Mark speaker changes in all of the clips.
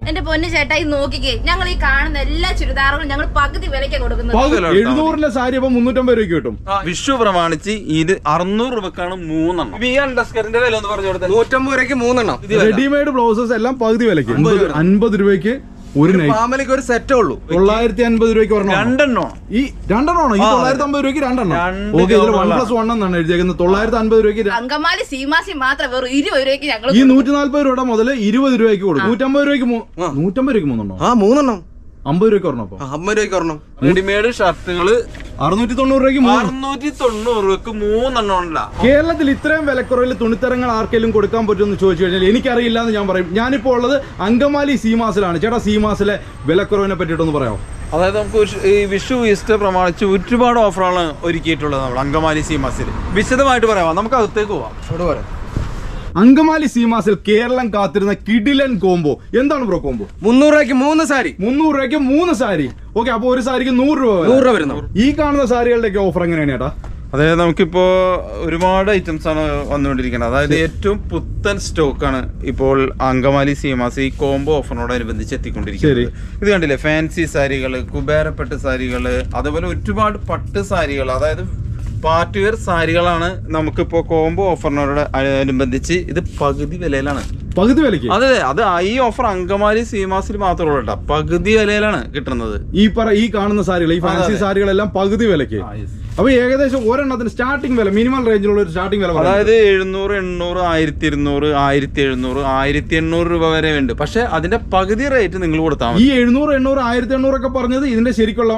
Speaker 1: എന്റെ പൊന്നു ചേട്ടായി നോക്കിക്കേ, ഞങ്ങൾ ഈ കാണുന്ന എല്ലാ ചുരിദാറുകളും ഞങ്ങൾ പകുതി വിലയ്ക്ക് കൊടുക്കുന്നത്.
Speaker 2: 700 സാരി അപ്പൊ 350 രൂപയ്ക്ക് കിട്ടും.
Speaker 3: വിഷു പ്രമാണിച്ച് ഇത് 600 രൂപക്കാണ് 3 എണ്ണം. വില ഒന്ന് പറഞ്ഞു കൊടുത്തത്
Speaker 4: 150 രൂപയ്ക്ക് 3 എണ്ണം.
Speaker 2: റെഡിമെയ്ഡ് ബ്ലൗസസ് എല്ലാം പകുതി വിലയ്ക്ക് 50 രൂപയ്ക്ക് ഒരു
Speaker 4: ഫാമിലിക്ക് ഒരു സെറ്റേ ഉള്ളൂ.
Speaker 2: 950 രൂപയ്ക്ക്
Speaker 3: രണ്ടെണ്ണം.
Speaker 2: ഈ 950 രൂപയ്ക്ക് 2 എണ്ണം. ഓക്കെ, ഇതിൽ 1+1 എന്നാണ് എഴുതിയേക്കുന്നത്. 950 രൂപയ്ക്ക്
Speaker 1: അങ്കമാലി സീമാസി മാത്രം വെറും 20 രൂപയ്ക്ക് ഞങ്ങൾ
Speaker 2: ഈ 140 രൂപ മുതൽ 20 രൂപയ്ക്ക് കൊടുക്കും. 150 രൂപയ്ക്ക് 3
Speaker 4: 3
Speaker 2: 50 രൂപയ്ക്ക് ഒരെണ്ണം.
Speaker 4: 50 രൂപയ്ക്ക് ഒരെണ്ണം.
Speaker 3: റെഡിമെയ്ഡ് ഷർട്ടുകള്
Speaker 2: 690 രൂപയ്ക്ക്
Speaker 3: 690 രൂപക്ക് 3 എണ്ണം ഉണ്ടല്ല.
Speaker 2: കേരളത്തിൽ ഇത്രയും വിലക്കുറവിൽ തുണിത്തരങ്ങൾ ആർക്കെങ്കിലും കൊടുക്കാൻ പറ്റുമെന്ന് ചോദിച്ചു കഴിഞ്ഞാൽ എനിക്കറിയില്ല എന്ന് ഞാൻ പറയും. ഞാനിപ്പോൾ ഉള്ളത് അങ്കമാലി സീമാസിലാണ്. ചേട്ടാ, സീമാസിലെ വിലക്കുറവിനെ പറ്റിയിട്ടൊന്ന് പറയാമോ?
Speaker 3: അതായത് നമുക്ക് ഈ വിഷു ഈസ്റ്റർ പ്രമാണിച്ച് ഒരുപാട് ഓഫറാണ് ഒരുക്കിയിട്ടുള്ളത് നമ്മൾ അങ്കമാലി സീമാസിൽ. വിശദമായിട്ട് പറയാമോ? നമുക്ക് അകത്തേക്ക് പോവാം.
Speaker 2: അങ്കമാലി സീമാസിൽ കേരളം കാത്തിരുന്ന കിഡിലൻ കോംബോ. എന്താണ് ബ്രോ കോംബോ?
Speaker 4: 300 രൂപയ്ക്ക് 3 സാരി.
Speaker 2: 300 രൂപയ്ക്ക് 3 സാരി. ഓക്കെ, അപ്പൊ ഒരു സാരിക്ക് 100 രൂപ വരുന്നു. ഈ കാണുന്ന സാരികളുടെ ഓഫർ എങ്ങനെയാണ് ചേട്ടാ?
Speaker 3: അതായത് നമുക്കിപ്പോ ഒരുപാട് ഐറ്റംസ് ആണ് വന്നുകൊണ്ടിരിക്കുന്നത്. അതായത് ഏറ്റവും പുത്തൻ സ്റ്റോക്കാണ് ഇപ്പോൾ അങ്കമാലി സീമാസ് ഈ കോംബോ ഓഫറിനോടനുബന്ധിച്ച് എത്തിക്കൊണ്ടിരിക്കുന്നത്. ഇത് കണ്ടില്ലേ, ഫാൻസി സാരികള്, കുബേരപ്പട്ട് സാരികള്, അതുപോലെ ഒരുപാട് പട്ട് സാരികൾ, അതായത് പാർട്ടി വെയർ സാരികളാണ് നമുക്കിപ്പോ കോംബോ ഓഫറിനോട് അനുബന്ധിച്ച് ഇത് പകുതി വിലയിലാണ്.
Speaker 2: പകുതി വിലയ്ക്ക്?
Speaker 3: അതെ, അത് ഈ ഓഫർ അങ്കമാലി സീമാസിൽ മാത്രമേ ഉള്ളൂ. പകുതി വിലയിലാണ് കിട്ടുന്നത്.
Speaker 2: ഈ കാണുന്ന സാരികൾ, ഈ ഫാൻസി സാരികളെല്ലാം പകുതി വിലയ്ക്ക്. അപ്പൊ ഏകദേശം ഒരെണ്ണത്തിന് സ്റ്റാർട്ടിംഗ് വില, മിനിമം റേഞ്ചിലുള്ള ഒരു സ്റ്റാർട്ടിംഗ് വില,
Speaker 3: അതായത് 700, 800, 1200, 1700, 1800 രൂപ വരെ ഉണ്ട്. പക്ഷെ അതിന്റെ പകുതി റേറ്റ് നിങ്ങൾ കൊടുത്താൽ മതി.
Speaker 2: ഈ 700, 800, 1800 ഒക്കെ പറഞ്ഞത് ഇതിന്റെ ശരിക്കുള്ള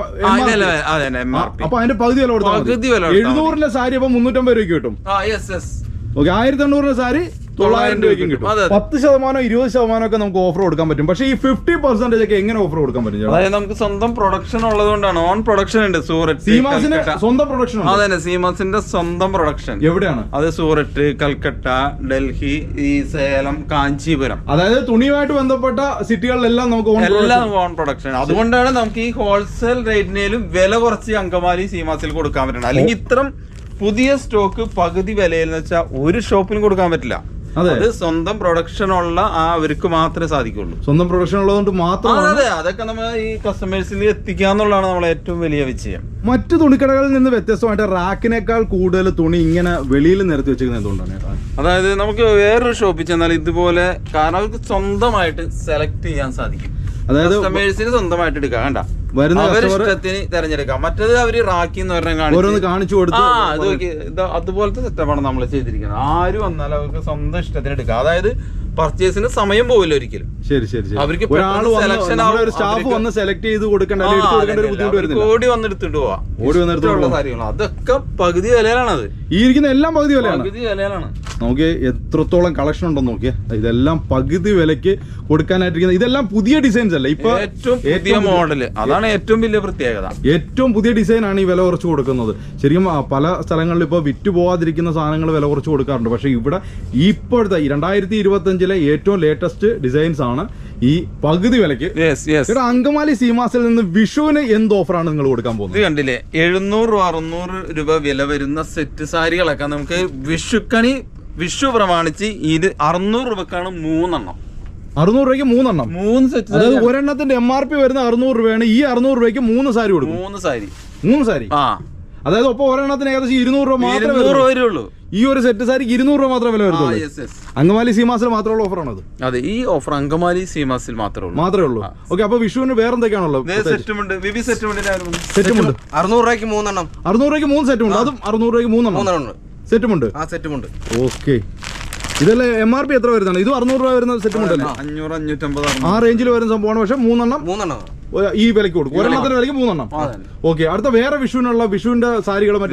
Speaker 2: അപ്പൊ അതിന്റെ പകുതി വില കൊടുത്താൽ 700 സാരി അപ്പൊ 350 രൂപയ്ക്ക് കിട്ടും. ഓക്കെ, 1800 സാരി 900 രൂപയ്ക്കും കിട്ടും. 10%, 20% ഒക്കെ നമുക്ക് ഓഫർ കൊടുക്കാൻ പറ്റും. പക്ഷേ ഈ 50% ഒക്കെ എങ്ങനെ ഓഫർ കൊടുക്കാൻ പറ്റും?
Speaker 3: അതായത് നമുക്ക് സ്വന്തം പ്രൊഡക്ഷൻ ഉള്ളതുകൊണ്ടാണ്. ഓൺ പ്രൊഡക്ഷൻ ഉണ്ട്. സൂററ്റ്
Speaker 2: സീമാസിന് സ്വന്തം പ്രൊഡക്ഷൻ.
Speaker 3: അതെ, സീമാസിന്റെ സ്വന്തം പ്രൊഡക്ഷൻ.
Speaker 2: എവിടെയാണ്
Speaker 3: അത്? സൂററ്റ്, കൽക്കട്ട, ഡൽഹി, ഈ സേലം, കാഞ്ചീപുരം.
Speaker 2: അതായത് തുണിയുമായിട്ട് ബന്ധപ്പെട്ട സിറ്റികളിലെല്ലാം നമുക്ക്
Speaker 3: ഓൺ പ്രൊഡക്ഷൻ. അതുകൊണ്ടാണ് നമുക്ക് ഈ ഹോൾസെയിൽ റേറ്റിനേലും വില കുറച്ച് അങ്കമാലി സീമാസിൽ കൊടുക്കാൻ പറ്റുന്നത്. അല്ലെങ്കിൽ ഇത്തരം പുതിയ സ്റ്റോക്ക് പകുതി വിലയിൽ എന്ന് വെച്ചാൽ ഒരു ഷോപ്പിലും കൊടുക്കാൻ പറ്റില്ല. അത് സ്വന്തം പ്രൊഡക്ഷൻ ഉള്ള അവർക്ക് മാത്രമേ സാധിക്കുള്ളൂ.
Speaker 2: സ്വന്തം പ്രൊഡക്ഷൻ ഉള്ളതുകൊണ്ട് മാത്രം.
Speaker 3: അതെ, അതൊക്കെ നമ്മൾ ഈ കസ്റ്റമേഴ്സിൽ എത്തിക്കാന്നുള്ളതാണ് നമ്മളെ ഏറ്റവും വലിയ വിജയം.
Speaker 2: മറ്റു തുണിക്കടകളിൽ നിന്ന് വ്യത്യസ്തമായിട്ട് റാക്കിനേക്കാൾ കൂടുതൽ തുണി ഇങ്ങനെ വെളിയിൽ നിരത്തി വെച്ചിരിക്കുന്നത് എന്തുകൊണ്ടാണ്?
Speaker 3: അതായത് നമുക്ക് വേറൊരു ഷോപ്പിൽ ചെന്നാൽ ഇതുപോലെ, കാരണം അവർക്ക് സ്വന്തമായിട്ട് സെലക്ട് ചെയ്യാൻ സാധിക്കും. അതായത് കസ്റ്റമേഴ്സിന് സ്വന്തമായിട്ട് എടുക്കാം. വേണ്ട, ഇഷ്ടത്തിന് തെരഞ്ഞെടുക്കാം. മറ്റേത് അവര് റാക്കി എന്ന് പറഞ്ഞാൽ
Speaker 2: കാണിച്ചു കൊടുത്തു.
Speaker 3: അതുപോലത്തെ സെറ്റപ്പാണ് നമ്മൾ ചെയ്തിരിക്കുന്നത്. ആര് വന്നാലും അവർക്ക് സ്വന്തം ഇഷ്ടത്തിന് എടുക്കാം. അതായത് പർച്ചേസിന് സമയം പോവില്ല ഒരിക്കലും.
Speaker 2: ശരി ശരി.
Speaker 3: അവർക്ക്
Speaker 2: സ്റ്റാഫ് വന്ന് സെലക്ട് ചെയ്ത് കൊടുക്കേണ്ട
Speaker 3: ഓടി വന്നെടുത്തിട്ട് പോവാം. കാര്യങ്ങൾ അതൊക്കെ പകുതി വിലയിലാണത്.
Speaker 2: ഈ ഇരിക്കുന്ന എല്ലാം പകുതി വിലയാണ്.
Speaker 3: പകുതി വിലയിലാണ്.
Speaker 2: നോക്കിയേ എത്രത്തോളം കളക്ഷൻ ഉണ്ടെന്ന് നോക്കിയേ. ഇതെല്ലാം പകുതി വിലക്ക് കൊടുക്കാനായിട്ടിരിക്കുന്നത്. ഇതെല്ലാം പുതിയ ഡിസൈൻസ് അല്ലേ? ഇപ്പൊ
Speaker 3: ഏറ്റവും പുതിയ മോഡല്. അതാണ് ഏറ്റവും വലിയ പ്രത്യേകത.
Speaker 2: ഏറ്റവും പുതിയ ഡിസൈൻ ആണ് ഈ വില കുറച്ച് കൊടുക്കുന്നത്. ശരിക്കും പല സ്ഥലങ്ങളിൽ ഇപ്പൊ വിറ്റ് പോവാതിരിക്കുന്ന സാധനങ്ങൾ വില കുറച്ച് കൊടുക്കാറുണ്ട്. പക്ഷെ ഇവിടെ ഇപ്പോഴത്തെ 2025 ഏറ്റവും ലേറ്റസ്റ്റ് ഡിസൈൻസ് ആണ് ഈ പകുതി വിലക്ക്. അങ്കമാലി സീമാസിൽ നിന്ന് വിഷുവിന് എന്ത് ഓഫറാണ് നിങ്ങൾ കൊടുക്കാൻ പോകുന്നത്?
Speaker 3: കണ്ടില്ലേ, 700, 600 രൂപ വില വരുന്ന സെറ്റ് സാരികളൊക്കെ നമുക്ക് വിഷു പ്രമാണിച്ച് ഇത് 600 രൂപക്കാണ് 3 എണ്ണം.
Speaker 2: 600 രൂപയ്ക്ക് 3 എണ്ണം,
Speaker 3: 3 സെറ്റ്.
Speaker 2: അതായത് ഒരെണ്ണത്തിന്റെ MRP വരുന്ന 600 രൂപയാണ്. ഈ 600 രൂപയ്ക്ക് 3 സാരി കൊടുക്കും. 3 സാരി. അതായത് ഒപ്പം ഒരെണ്ണത്തിന് ഏകദേശം 200 രൂപ മാത്രമേ വരുള്ളൂ. ഈ ഒരു സെറ്റ് സാരിക്ക് 200 രൂപ മാത്രമേ വില വരുള്ളൂ. അങ്കമാലി സീമാസിൽ മാത്രമുള്ള ഓഫറാണത്.
Speaker 3: അതെ, ഈ ഓഫർ അങ്കമാലി സീമാസിൽ മാത്രമേ ഉള്ളൂ.
Speaker 2: ഓക്കെ, അപ്പൊ വിഷുവിന് വേറെ എന്തൊക്കെയാണുള്ളത്?
Speaker 3: സെറ്റുമുണ്ട്.
Speaker 4: 600 രൂപയ്ക്ക് 3 എണ്ണം.
Speaker 2: 600 രൂപയ്ക്ക് 3 സെറ്റുമുണ്ട്. അതും 600 രൂപയ്ക്ക് 3 എണ്ണം സെറ്റുമുണ്ട്. ഓക്കെ, ഇതല്ലേ MRP എത്ര വരുന്നതാണ്? ഇത് 600 രൂപ വരുന്ന സെറ്റുമുണ്ട്.
Speaker 3: 500, 550
Speaker 2: ആ റേഞ്ചിൽ വരുന്ന സംഭവമാണ്. പക്ഷെ 3 എണ്ണം ഈ വിലക്ക് കൊടുക്കും. ഒരെണ്ണത്തിന് വിലക്ക് 3 എണ്ണം. ഓക്കെ, അടുത്ത വേറെ വിഷുവിന്റെ സാരികൾ മറ്റു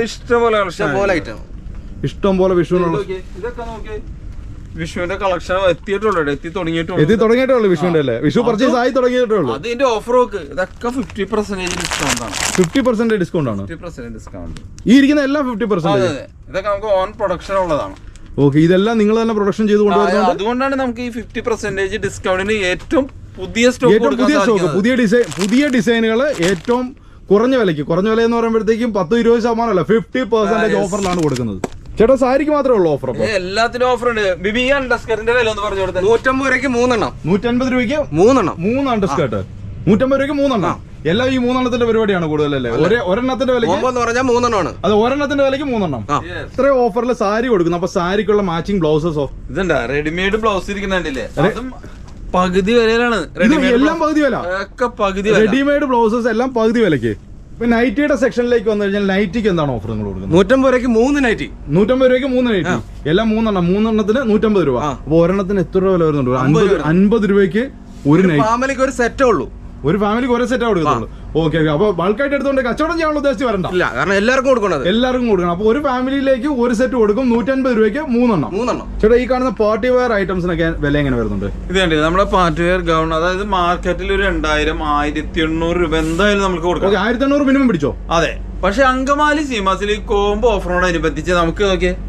Speaker 2: ഇഷ്ടം പോലെ വിഷുവിനുള്ള
Speaker 3: വിഷുവിന്റെ കളക്ഷൻ എത്തി
Speaker 2: തുടങ്ങിയിട്ടുള്ളൂ. വിഷുവിന്റെ അല്ലേ? വിഷു പർച്ചേസ് ആയി തുടങ്ങിയിട്ടുള്ളൂ.
Speaker 3: അതിന്റെ ഓഫർ ഇതൊക്കെ 50% ഡിസ്കൗണ്ട് ആണ്.
Speaker 2: 50% ഡിസ്കൗണ്ട് ആണ്.
Speaker 3: 50% ഡിസ്കൗണ്ട്.
Speaker 2: ഈ ഇരിക്കുന്ന എല്ലാം 50%.
Speaker 3: ഇതൊക്കെ നമുക്ക് ഓൺ പ്രൊഡക്ഷൻ ഉള്ളതാണ്.
Speaker 2: ഓക്കെ, ഇതെല്ലാം നിങ്ങൾ തന്നെ പ്രൊഡക്ഷൻ ചെയ്ത് കൊണ്ടുവരുന്നത്.
Speaker 3: അതുകൊണ്ടാണ് നമുക്ക് ഈ 50% ഡിസ്കൗണ്ടിന് ഏറ്റവും പുതിയ
Speaker 2: പുതിയ ഡിസൈനുകൾ ഏറ്റവും കുറഞ്ഞ വില എന്ന് പറയുമ്പോഴത്തേക്കും 10-20% അല്ല, 50% ഓഫറിലാണ് കൊടുക്കുന്നത്. ചേട്ടാ സാരിക്ക് മാത്രമേ ഉള്ളൂ ഓഫർ? അപ്പൊ
Speaker 3: എല്ലാത്തിനും ഓഫർ ഉണ്ട്. ബിബി ഈ അണ്ടർസ്കറിന്റെ വില ഒന്ന് പറഞ്ഞു കൊടുത്തത്.
Speaker 4: 150 രൂപയ്ക്ക് 3 എണ്ണം.
Speaker 2: 150 രൂപയ്ക്ക്
Speaker 4: 3 എണ്ണം.
Speaker 2: 3 അണ്ടർസ്കേർട്ട്. 150 രൂപയ്ക്ക് 3 എണ്ണം. എല്ലാം ഈ 3 എണ്ണത്തിന്റെ പരിപാടിയാണ് കൂടുതലല്ലേ? ഒരെണ്ണത്തിന്റെ വിലയ്ക്ക്
Speaker 4: എന്ന് പറഞ്ഞാൽ 3 എണ്ണമാണ്.
Speaker 2: അത് ഒരെണ്ണത്തിന്റെ വിലയ്ക്ക് 3 എണ്ണം. ഇത്രയും ഓഫറിൽ സാരി കൊടുക്കുന്നു. അപ്പൊ സാരിക്കുള്ള മാച്ചിങ് ബ്ലൗസസോ?
Speaker 3: ഇതുണ്ടാ റെഡിമെയ്ഡ് ബ്ലൗസ് ഇരിക്കുന്നുണ്ടല്ലേ? അതും പകുതി വിലയിലാണ്.
Speaker 2: എല്ലാം പകുതി വില.
Speaker 3: പകുതി
Speaker 2: റെഡിമെയ്ഡ് ബ്ലൗസസ് എല്ലാം പകുതി വിലയ്ക്ക്. ഇപ്പൊ നൈറ്റിയുടെ സെക്ഷനിലേക്ക് വന്നു കഴിഞ്ഞാൽ നൈറ്റിക്ക് എന്താണ് ഓഫർ നിങ്ങൾ കൊടുക്കുന്നത്?
Speaker 4: 150 രൂപയ്ക്ക് 3 നൈറ്റി.
Speaker 2: 150 രൂപയ്ക്ക് 3 നൈറ്റി. എല്ലാം 3 എണ്ണം. 3 എണ്ണത്തിന് 150 രൂപ. അപ്പൊ ഒരെണ്ണത്തിന് എത്ര രൂപ വില വരുന്നുണ്ട്? 50 രൂപയ്ക്ക് ഒരു നൈറ്റ്.
Speaker 4: ഫാമിലിക്ക് ഒരു സെറ്റേ ഉള്ളൂ.
Speaker 2: ഒരു ഫാമിലിക്ക് ഒരേ സെറ്റാ കൊടുക്കുന്നുള്ളൂ. ഓക്കെ. അപ്പൊ ബൾക്കായിട്ട് എടുത്തോണ്ട് കച്ചവടം ചെയ്യാനുള്ള ഉദ്ദേശിച്ച് വരണ്ട.
Speaker 4: ഇല്ല, കാരണം എല്ലാവർക്കും കൊടുക്കണം.
Speaker 2: എല്ലാവർക്കും കൊടുക്കണം. അപ്പൊ ഒരു ഫാമിലിയിലേക്ക് ഒരു സെറ്റ് കൊടുക്കും. 150 രൂപയ്ക്ക് 3 എണ്ണം. ചേട്ടാ ഈ കാണുന്ന പാർട്ടി വെയർ ഐറ്റംസിനൊക്കെ വില എങ്ങനെ വരുന്നുണ്ട്?
Speaker 3: ഇത് കണ്ടില്ല നമ്മുടെ പാർട്ടി വെയർ ഗൗൺ, അതായത് മാർക്കറ്റിൽ ഒരു 2000, 1800 രൂപ എന്തായാലും നമുക്ക് കൊടുക്കാം.
Speaker 2: 1800 മിനിമം പിടിച്ചോ?
Speaker 3: അതെ. പക്ഷെ അങ്കമാലി സീമാസിൽ കോംബോ ഓഫറിനോടനുബന്ധിച്ച് നമുക്ക്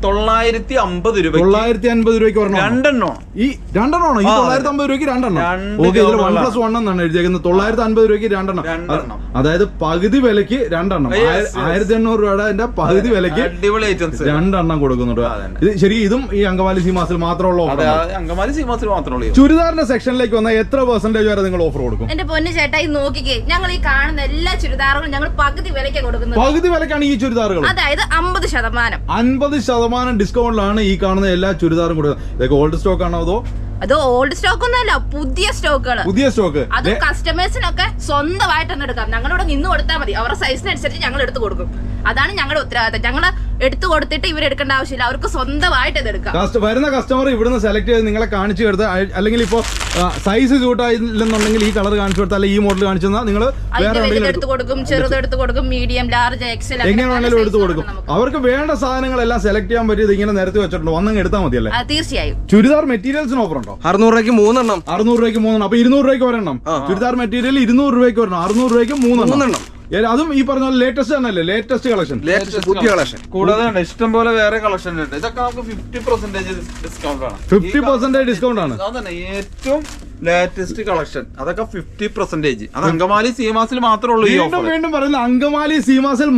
Speaker 3: 950 രൂപ
Speaker 2: 950 രൂപയ്ക്ക്
Speaker 3: രണ്ടെണ്ണോ
Speaker 2: ഈ രണ്ടെണ്ണമാണോ? ഈ 950 രൂപയ്ക്ക് രണ്ടെണ്ണം. ഓക്കെ. ഇതിൽ 1+1 എന്നാണ് എഴുതിയേക്കുന്നത്. 950 രൂപയ്ക്ക് രണ്ടെണ്ണം. അതായത് പകുതി വിലക്ക് രണ്ടെണ്ണം. 1800 രൂപയുടെ പകുതി വിലക്ക്
Speaker 3: അടിപൊളി ഐറ്റംസ്
Speaker 2: രണ്ടെണ്ണം കൊടുക്കുന്നുണ്ട്. ഇത് ശരി, ഇതും ഈ അങ്കമാലി സീമാസിൽ മാത്രമുള്ള ഓഫർ?
Speaker 3: അങ്കമാലി സീമാസിൽ മാത്രമേ.
Speaker 2: ചുരിദാറിന്റെ സെക്ഷനിലേക്ക് വന്നാൽ എത്ര % വരെ നിങ്ങൾ ഓഫർ കൊടുക്കും?
Speaker 1: എന്റെ പൊന്നു ചേട്ടാ ഈ നോക്കിക്കേ, ഞങ്ങൾ ഈ കാണുന്ന എല്ലാ ചുരിദാറുകളും ഞങ്ങൾ പകുതി വിലയ്ക്ക് കൊടുക്കുന്നത്.
Speaker 2: പകുതി വിലക്കാണ് ഈ ചുരിദാറുകൾ.
Speaker 1: അതായത് 50%.
Speaker 2: 50% ഡിസ്കൗണ്ടിലാണ് ഈ കാണുന്ന എല്ലാ ചുരിദാറും കൊടുക്കുന്നത്. ഇതൊക്കെ ഓൾഡ് സ്റ്റോക്ക് ആണോ അതോ?
Speaker 1: അത് ഓൾഡ് സ്റ്റോക്ക് ഒന്നുമല്ല, പുതിയ സ്റ്റോക്കുകൾ.
Speaker 2: പുതിയ സ്റ്റോക്ക്.
Speaker 1: അത് കസ്റ്റമേഴ്സിനൊക്കെ സ്വന്തമായിട്ട് തന്നെ എടുക്കാം. ഞങ്ങളിവിടെ നിന്ന് കൊടുത്താൽ മതി. അവരുടെ സൈസിനനുസരിച്ച് ഞങ്ങൾ എടുത്തു കൊടുക്കും. അതാണ് ഞങ്ങളുടെ ഉത്തരവാദിത്തം. ഞങ്ങൾ എടുത്തു കൊടുത്തിട്ട് ഇവരെടുക്കേണ്ട ആവശ്യമില്ല. അവർക്ക് സ്വന്തമായിട്ട് ഇത് എടുക്കാം.
Speaker 2: വരുന്ന കസ്റ്റമർ ഇവിടുന്ന് സെലക്ട് ചെയ്ത് നിങ്ങളെ കാണിച്ചു കൊടുത്ത്, അല്ലെങ്കിൽ ഇപ്പൊ സൈസ് സ്യൂട്ട് ആയില്ലെന്നുണ്ടെങ്കിൽ ഈ കളർ കാണിച്ചു കൊടുത്താൽ ഈ മോഡൽ കാണിച്ചു തന്നാൽ നിങ്ങൾ
Speaker 1: എടുത്തു കൊടുക്കും. ചെറുത് എടുത്തു കൊടുക്കും, മീഡിയം, ലാർജ്, എക്സൽ,
Speaker 2: എങ്ങനെ വേണമെങ്കിലും എടുത്തു കൊടുക്കും. അവർക്ക് വേണ്ട സാധനങ്ങളെല്ലാം സെലക്ട് ചെയ്യാൻ പറ്റിയത് ഇങ്ങനെ നിരത്തി വെച്ചിട്ടുണ്ട്. വന്നങ്ങ് എടുത്താൽ മതിയല്ലേ?
Speaker 1: തീർച്ചയായും.
Speaker 2: ചുരിദാർ മെറ്റീരിയൽസിന് ഓഫർ ഉണ്ടോ?
Speaker 4: 600 രൂപയ്ക്ക് 3 എണ്ണം.
Speaker 2: 600 രൂപയ്ക്ക് 3 എണ്ണം. അപ്പൊ 200 രൂപയ്ക്ക് ഒരെണ്ണം. ചുരിദാർ മെറ്റീരിയൽ 200 രൂപയ്ക്ക് ഒരെണ്ണം. 600 രൂപയ്ക്ക് 3 എണ്ണം. അതും ഈ പറഞ്ഞ ലേറ്റസ്റ്റ് ആണല്ലേ? ലേറ്റസ്റ്റ് കളക്ഷൻ,
Speaker 4: പുതിയ കളക്ഷൻ.
Speaker 3: കൂടാതെ ഇഷ്ടം പോലെ വേറെ കളക്ഷൻ ഉണ്ട്. ഇതൊക്കെ നമുക്ക് 50% ഡിസ്കൗണ്ട് ആണ്.
Speaker 2: 50% ഡിസ്കൗണ്ട് ആണ്.
Speaker 3: അതന്നെ ഏറ്റവും ലേറ്റസ്റ്റ് കളക്ഷൻ. അതൊക്കെ 50%. അത് അങ്കമാലി സീമാസിൽ മാത്രമേ ഉള്ളൂ.
Speaker 2: വീണ്ടും പറയുന്നത് അങ്കമാലി സീമാസിൽ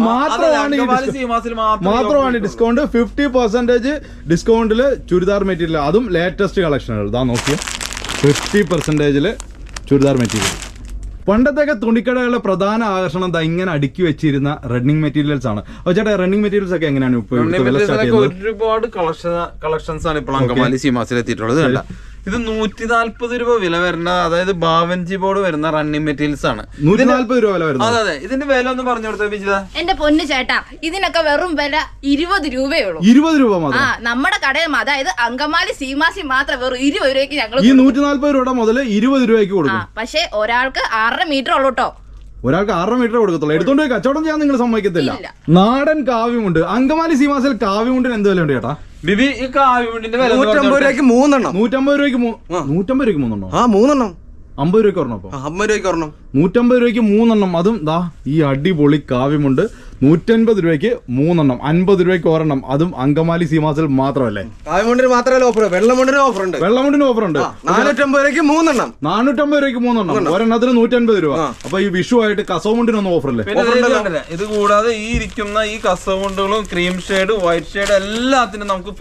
Speaker 2: മാത്രമാണ് ഡിസ്കൗണ്ട്. 50% ഡിസ്കൗണ്ടില് ചുരിദാർ മെറ്റീരിയൽ, അതും ലേറ്റസ്റ്റ് കളക്ഷനുകൾ. ഇതാ നോക്കിയ 50% ചുരിദാർ മെറ്റീരിയൽ. പണ്ടത്തെയൊക്കെ തുണിക്കടകളുടെ പ്രധാന ആകർഷണം എന്താ? ഇങ്ങനെ അടുക്കി വെച്ചിരുന്ന റണ്ണിങ് മെറ്റീരിയൽസ് ആണ്. അപ്പൊ ചേട്ടാ റണ്ണിങ് മെറ്റീരിയൽസ് ഒക്കെ എങ്ങനെയാണ്
Speaker 3: ഒരുപാട് കളക്ഷൻസ് ആണ് ഇപ്പോൾ അങ്കമാലി സീമാസിൽ എത്തിയിട്ടുള്ളത്. കണ്ട, ഇത് 140 രൂപ വില വരുന്ന, അതായത് ബാവൻജി ബോർഡ് വരുന്ന റണ്ണിങ് മെറ്റീരിയൽസ് ആണ്.
Speaker 2: 140 രൂപ വില വരുന്നത്.
Speaker 3: അതെ. ഇതിന്റെ വില ഒന്ന് പറഞ്ഞു കൊടുത്തേ വിജിത.
Speaker 1: എന്റെ പൊന്നു ചേട്ടാ, ഇതിനൊക്കെ വെറും വില 20 രൂപയുള്ളൂ.
Speaker 2: 20 രൂപ മാത്രം.
Speaker 1: നമ്മുടെ കടയിൽ, അതായത് അങ്കമാലി സീമാസി മാത്രം വെറും 20 രൂപയ്ക്ക് ഞങ്ങൾ
Speaker 2: ഈ 140 രൂപ മുതൽ 20 രൂപയ്ക്ക് കൊടുക്കും.
Speaker 1: പക്ഷെ ഒരാൾക്ക് 6.5 മീറ്റർ ഉള്ളൂ കേട്ടോ.
Speaker 2: ഒരാൾക്ക് 6 മീറ്റർ കൊടുക്കത്തുള്ളൂ. എടുത്തോണ്ട് പോയി കച്ചവടം ചെയ്യാൻ നിങ്ങൾ സമ്മതിക്കത്തില്ല. നാടൻ കാവ്യമുണ്ട്. അങ്കമാലി സീമാസിൽ കാവ്യമുണ്ടിന് എന്ത് വില ഉണ്ട് ചേട്ടാ?
Speaker 3: ബിബി ഈ കാവ്യമുണ്ടിന്റെ വില
Speaker 4: 150 രൂപയ്ക്ക് 3 എണ്ണം.
Speaker 2: 150 രൂപയ്ക്ക് 3 എണ്ണം.
Speaker 4: 3 എണ്ണം.
Speaker 2: 50 രൂപയ്ക്ക് ഒരെണ്ണം. അപ്പൊ
Speaker 4: 50 രൂപയ്ക്ക് ഒരെണ്ണം.
Speaker 2: 150 രൂപയ്ക്ക് 3 എണ്ണം. അതും ദാ ഈ അടിപൊളി കാവ്യമുണ്ട്. 150 രൂപയ്ക്ക് 3 എണ്ണം. 50 രൂപയ്ക്ക് ഒരെണ്ണം. അതും അങ്കമാലി സീമാസിൽ മാത്രമല്ലേ?
Speaker 4: കാവ്യമുണ്ടിന് മാത്രമല്ല ഓഫർ, വെള്ളമുണ്ടിന് ഓഫർ ഉണ്ട്.
Speaker 2: വെള്ളമുണ്ടിന് ഓഫർ ഉണ്ട്.
Speaker 4: 450 രൂപയ്ക്ക് 3 എണ്ണം.
Speaker 2: 450 രൂപയ്ക്ക് 3 എണ്ണം. ഒരെണ്ണത്തിന് 150 രൂപ. അപ്പൊ ഈ വിഷു ആയിട്ട് കസവുമുണ്ടിനൊന്നും ഓഫർ അല്ലേ?
Speaker 3: ഇത് കൂടാതെ ഈ ഇരിക്കുന്ന ഈ കസവുണ്ടുകളും ക്രീം ഷെയ്ഡ്, വൈറ്റ് ഷെയ്ഡ് എല്ലാത്തിനും നമുക്ക്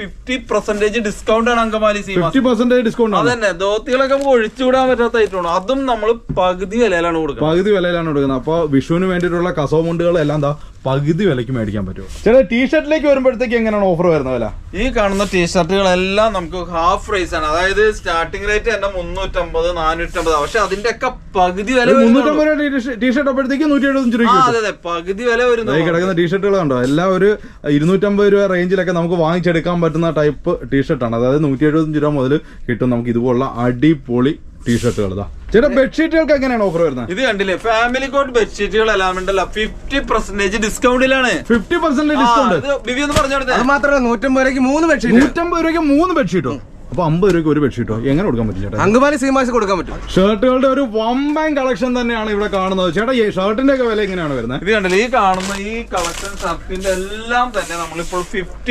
Speaker 3: 50% ഡിസ്കൗണ്ട് ആണ് അങ്കമാലി സീമാസ്.
Speaker 2: 50% ഡിസ്കൗണ്ട് ആണ്.
Speaker 3: അതന്നെ, ധോത്തികളൊക്കെ നമുക്ക് ഒഴിച്ചുകൂടാൻ പറ്റാത്തതായിട്ടുണ്ട്. അതും നമ്മൾ പകുതി വിലയിലാണ് കൊടുക്കുന്നത്.
Speaker 2: പകുതി വിലയിലാണ് കൊടുക്കുന്നത്. അപ്പൊ വിഷുവിന് വേണ്ടിയിട്ടുള്ള കസവുമുണ്ടുകൾ എല്ലാം എന്താ പകുതി വിലയ്ക്ക് മേടിക്കാൻ പറ്റുമോ? ചേട്ടാ ടീഷർട്ടിലേക്ക് വരുമ്പോഴത്തേക്ക് എങ്ങനെയാണ് ഓഫർ വരുന്ന വില?
Speaker 3: ഈ കാണുന്ന ടീഷർട്ടുകളെല്ലാം നമുക്ക് ഹാഫ് പ്രൈസ് ആണ്. അതായത് സ്റ്റാർട്ടിംഗ് റേറ്റ് തന്നെ 350, 450. പക്ഷെ അതിന്റെ ഒക്കെ പകുതി വില
Speaker 2: 350 രൂപ ടീഷർട്ട് അപ്പോഴത്തേക്ക് 175 രൂപ.
Speaker 3: അതെ, പകുതി വില വരുന്നു.
Speaker 2: ഈ കിടക്കുന്ന ടീഷർട്ടുകൾ കണ്ടോ? എല്ലാം ഒരു 250 രൂപ റേഞ്ചിലൊക്കെ നമുക്ക് വാങ്ങിച്ചെടുക്കാൻ പറ്റുന്ന ടൈപ്പ് ടീഷർട്ടാണ്. അതായത് 175 രൂപ മുതൽ കിട്ടും നമുക്ക് ഇതുപോലുള്ള അടിപൊളി ടീഷർട്ടുകൾ. ചേട്ടാ ബെഡ്ഷീറ്റുകൾക്ക് എങ്ങനെയാണ് ഓഫർ വരുന്നത്?
Speaker 3: ഇത് കണ്ടില്ലേ, ഫാമിലി കോട്ട് ബെഡ്ഷീറ്റുകൾ എല്ലാം ഉണ്ടല്ലോ 50% ഡിസ്കൗണ്ടിലാണ്.
Speaker 2: 50% ഡിസ്കൗണ്ട്.
Speaker 3: ബിബി ഒന്ന് പറഞ്ഞു കൊടുത്തേ.
Speaker 4: അത് മാത്രമല്ല 150 രൂപയ്ക്ക് 3 ബെഡ്ഷീറ്റ്.
Speaker 2: 150 രൂപയ്ക്ക് 3 ബെഡ്ഷീറ്റോ? അപ്പൊ 50 രൂപയ്ക്ക് ഒരു ബെഡ്ഷീറ്റോ എങ്ങനെ കൊടുക്കാൻ പറ്റും ചേട്ടാ?
Speaker 4: അങ്കമാലി സീമാസ് കൊടുക്കാൻ പറ്റും.
Speaker 2: ഷർട്ടുകളുടെ ഒരു വമ്പൻ കളക്ഷൻ തന്നെയാണ് ഇവിടെ കാണുന്നത്. ചേട്ടാ ഈ ഷർട്ടിന്റെ ഒക്കെ വില എങ്ങനെയാണ് വരുന്നത്?
Speaker 3: ഇത് കണ്ടില്ലേ, ഈ കാണുന്ന ഈ കളക്ഷൻ ഷർട്ടിന്റെ എല്ലാം തന്നെ നമ്മളിപ്പോൾ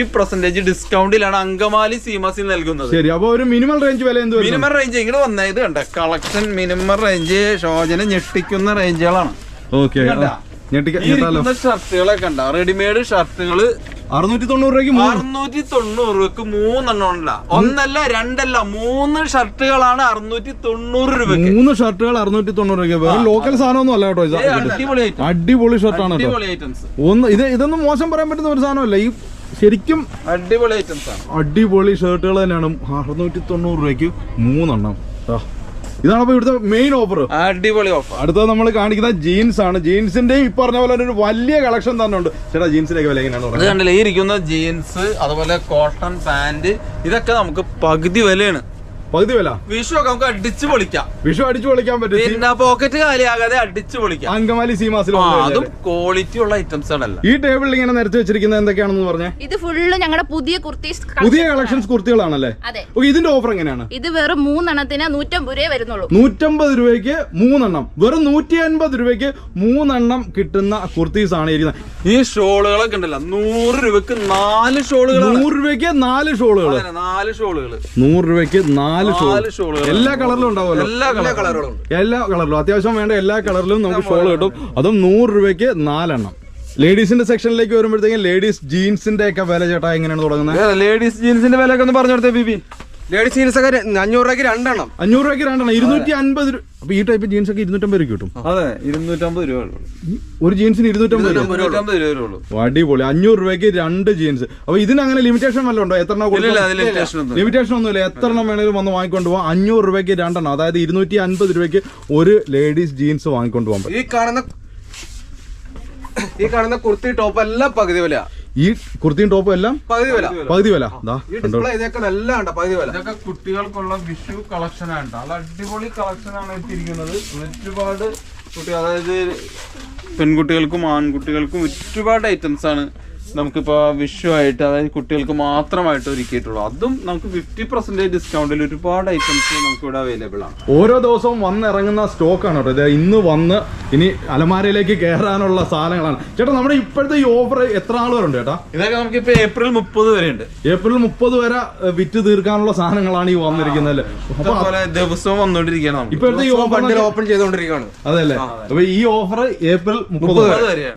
Speaker 3: 50% ഡിസ്കൗണ്ടിലാണ് അങ്കമാലി സീമാസിൽ നൽകുന്നത്.
Speaker 2: ശരി, അപ്പൊ ഒരു മിനിമം റേഞ്ച് വില എന്ത്?
Speaker 3: മിനിമം റേഞ്ച് ഇങ്ങനെ വന്നേ, ഇത് കണ്ട കളക്ഷൻ മിനിമം റേഞ്ച് ഷോജനെ ഞെട്ടിക്കുന്ന റേഞ്ചുകളാണ്.
Speaker 2: ഓക്കെ,
Speaker 3: ഷർട്ടുകളെ കണ്ട, റെഡിമെയ്ഡ് ഷർട്ടുകള്
Speaker 2: 690 രൂപയ്ക്ക്
Speaker 3: 690 രൂപക്ക് 3 എണ്ണം ഉണ്ടല്ല, ഒന്നല്ല രണ്ടല്ല 3 ഷർട്ടുകളാണ് 690 രൂപയ്ക്ക്.
Speaker 2: 3 ഷർട്ടുകൾ 690 രൂപയ്ക്ക്. വേറെ ലോക്കൽ സാധനമൊന്നും അല്ല കേട്ടോ ഇത്.
Speaker 3: അടിപൊളി item.
Speaker 2: അടിപൊളി ഷർട്ടാണ് കേട്ടോ.
Speaker 3: അടിപൊളി ഐറ്റംസ്.
Speaker 2: ഇതൊന്നും മോശം പറയാൻ പറ്റുന്ന ഒരു സാധനമല്ല. ഈ ശരിക്കും
Speaker 3: അടിപൊളി ഐറ്റംസ് ആണ്.
Speaker 2: അടിപൊളി ഷർട്ടുകൾ തന്നെയാണ്. 690 രൂപയ്ക്ക് 3 എണ്ണം. ഇതാണ് അപ്പൊ ഇവിടുത്തെ മെയിൻ ഓഫർ.
Speaker 3: അടിപൊളി ഓഫർ.
Speaker 2: അടുത്തത് നമ്മൾ കാണിക്കുന്ന ജീൻസ് ആണ്. ജീൻസിന്റെയും ഈ പറഞ്ഞ പോലെ ഒരു വലിയ കളക്ഷൻ തന്നെ ഉണ്ട്. ചേട്ടാ ജീൻസിന്റെ വില എങ്ങനെയാണ്?
Speaker 3: ഇത് കണ്ടില്ലേ, ഈ ഇരിക്കുന്ന ജീൻസ്, അതുപോലെ കോട്ടൺ പാന്റ്, ഇതൊക്കെ നമുക്ക് പകുതി വിലയാണ്.
Speaker 2: പകുതി വില.
Speaker 3: വിഷു ഒക്കെ നമുക്ക് അടിച്ചു പൊളിക്കാം.
Speaker 2: വിഷു അടിച്ചു പൊളിക്കാൻ പറ്റും.
Speaker 3: പിന്നെ പോക്കറ്റ് കാലിയാകാതെ അടിച്ചു പൊളിക്കാം.
Speaker 2: അങ്കമാലി സീമാസിൽ
Speaker 3: അതും ക്വാളിറ്റി ഉള്ള ഐറ്റംസ് ആണല്ലോ.
Speaker 2: ഈ ടേബിളിൽ ഇങ്ങനെ നിരത്തി വെച്ചിരിക്കുന്നത് എന്തൊക്കെയാണെന്ന് പറഞ്ഞേ?
Speaker 1: ഇത് ഫുള്ള് ഞങ്ങളുടെ പുതിയ കുർത്തീസ്,
Speaker 2: പുതിയ കളക്ഷൻസ് കുർത്തികളാണല്ലേ?
Speaker 1: അതെ.
Speaker 2: ഇതിന്റെ ഓഫർ എങ്ങനെയാണ്?
Speaker 1: ഇത് വെറും 3 എണ്ണത്തിന് 150 രൂപയെ വരുന്നുള്ളൂ.
Speaker 2: 150 രൂപയ്ക്ക് 3 എണ്ണം. വെറും 150 രൂപയ്ക്ക് 3 എണ്ണം കിട്ടുന്ന കുർത്തീസ് ആണ് ഇരിക്കുന്നത്.
Speaker 3: ഈ ഷോളുകളൊക്കെ ഉണ്ടല്ലോ, 100 രൂപയ്ക്ക് 4 ഷോളുകൾ.
Speaker 2: 100 രൂപയ്ക്ക് 4 ഷോളുകൾ.
Speaker 3: 4 ഷോളുകൾ.
Speaker 2: 100 രൂപയ്ക്ക് 4 ഷോളുകൾ. എല്ലാ കളറിലും ഉണ്ടാവുമല്ലോ.
Speaker 3: എല്ലാ കളറുകളും.
Speaker 2: എല്ലാ കളറിലും അത്യാവശ്യം വേണ്ട എല്ലാ കളറിലും നമുക്ക് ഷോൾ കിട്ടും. അതും 100 രൂപയ്ക്ക് 4 എണ്ണം. ലേഡീസിന്റെ സെക്ഷനിലേക്ക് വരുമ്പോഴത്തേക്കും ലേഡീസ് ജീൻസിന്റെ ഒക്കെ വില ചേട്ടാ എങ്ങനെയാണ് തുടങ്ങുന്നത്?
Speaker 3: ലേഡീസ് ജീൻസിന്റെ വില ഒക്കെ ഒന്ന് പറഞ്ഞു കൊടുത്തേ ബിബി.
Speaker 4: ലേഡീസ് ജീൻസ് ഒക്കെ 500 രൂപയ്ക്ക് 2 എണ്ണം.
Speaker 2: 500 രൂപയ്ക്ക് 2 എണ്ണം. 250 രൂപ. അപ്പൊ ഈ ടൈപ്പ് ജീൻസ് ഒക്കെ 250 രൂപ കിട്ടും.
Speaker 3: അതെ, 250 രൂപ.
Speaker 2: ഒരു ജീൻസിന് 250 രൂപ.
Speaker 3: 250 രൂപ.
Speaker 2: അടിപൊളി. 500 രൂപയ്ക്ക് 2 ജീൻസ്. അപ്പൊ ഇതിന് അങ്ങനെ ലിമിറ്റേഷൻ വല്ലതും ഉണ്ടോ? എത്ര ലിമിറ്റേഷൻ ഒന്നുമില്ല. എത്ര എണ്ണം വേണേലും വന്ന് വാങ്ങിക്കൊണ്ട് പോകാം. 500 രൂപയ്ക്ക് 2 എണ്ണം. അതായത് 250 രൂപയ്ക്ക് ഒരു ലേഡീസ് ജീൻസ് വാങ്ങിക്കൊണ്ട് പോകാൻ പറ്റും.
Speaker 4: ഈ കാണുന്ന കുർത്തി ടോപ്പ് എല്ലാം പകുതി വില.
Speaker 2: ഈ കുർത്തിയും ടോപ്പും എല്ലാം
Speaker 4: പകുതി വില.
Speaker 2: പകുതി വില.
Speaker 4: ഈ ഡിസ്പ്ലേ ഇതൊക്കെ നല്ല ഉണ്ട്, പകുതി വില.
Speaker 3: ഇതൊക്കെ കുട്ടികൾക്കുള്ള വിഷു കളക്ഷൻ ആണ്. നല്ല അടിപൊളി കളക്ഷൻ ആണ് എത്തിയിരിക്കുന്നത്. ഒരുപാട് കുട്ടികൾ, അതായത് പെൺകുട്ടികൾക്കും ആൺകുട്ടികൾക്കും ഒരുപാട് ഐറ്റംസ് ആണ് നമുക്കിപ്പോ വിഷു ആയിട്ട്, അതായത് കുട്ടികൾക്ക് മാത്രമായിട്ട് ഒരുക്കിയിട്ടുള്ളൂ. അതും നമുക്ക് 50% ഡിസ്കൗണ്ടിൽ ഒരുപാട് ഐറ്റംസ് നമുക്ക് ഇവിടെ അവൈലബിൾ ആണ്.
Speaker 2: ഓരോ ദിവസവും വന്നിറങ്ങുന്ന സ്റ്റോക്കാണ് കേട്ടോ. ഇന്ന് വന്ന് ഇനി അലമാരയിലേക്ക് കയറാനുള്ള സാധനങ്ങളാണ്. ചേട്ടാ നമ്മുടെ ഇപ്പോഴത്തെ ഈ ഓഫർ എത്ര ആൾ വരുന്നുണ്ട് ചേട്ടാ?
Speaker 3: ഇതൊക്കെ നമുക്കിപ്പോ ഏപ്രിൽ 30 വരെ ഉണ്ട്.
Speaker 2: ഏപ്രിൽ 30 വരെ വിറ്റ് തീർക്കാനുള്ള സാധനങ്ങളാണ് ഈ വന്നിരിക്കുന്നത്.
Speaker 3: അതുപോലെ ദിവസവും വന്നുകൊണ്ടിരിക്കുകയാണ്.
Speaker 2: ഇപ്പോഴത്തെ ഈ ഓഫർ
Speaker 4: ഓപ്പൺ ചെയ്തുകൊണ്ടിരിക്കുകയാണ്.
Speaker 2: അതല്ലേ? അപ്പൊ ഈ ഓഫർ ഏപ്രിൽ 30
Speaker 3: വരെയാണ്.